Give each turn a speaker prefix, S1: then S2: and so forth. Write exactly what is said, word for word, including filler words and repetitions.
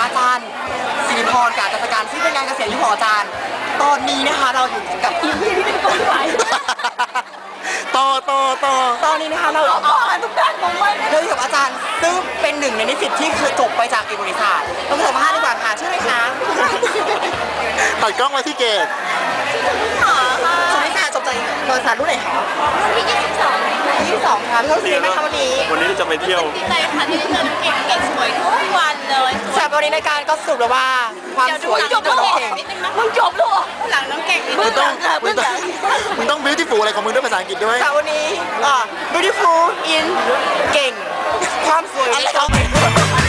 S1: อาจารย์สิริพรกับอาจารย์การซึ่งเป็นงานเกษียณอายุของอาจารย์ตอนนี้นะคะเราอยู่กับอีพีที่เป็นคนไหว
S2: ต่อต่อต่อ
S1: ตอนนี้นะคะเราอ๋อทุกท่านผมไว้เราอยู่กับอาจารย์ซึ่งเป็นหนึ่งในนิสิตที่คือจบไปจากเอกบริษัทต้องสัมภาษณ์ดีกว่าค่ะชื่ออะไรคะ
S2: ตัดกล้องมาที่เกต
S1: สุนิสาจบจากบริษัทรุ่นไหนคะรุ่นที่ยี่สิบสองยี่สิบสองค่ะพี่เขาซื้อไหมคะวันนี้
S2: วันนี้จะไปเที่ยว
S3: ดีใจค่ะที่ได้เจอเก่งเก่งสวยทุกวันเลย
S1: สำหรับวันนี้ในการก็สรุปแล้วว่าความสวยจบแล้วเก่ง
S3: มึงจบลูกหลังน้องเก่ง
S2: มึงต้องมึงต้องมึงต้อง beautiful อะไรของมึงด้วยภาษาอังกฤษด้วย
S1: แต่วันนี้อ่า beautiful in เก่งความสวย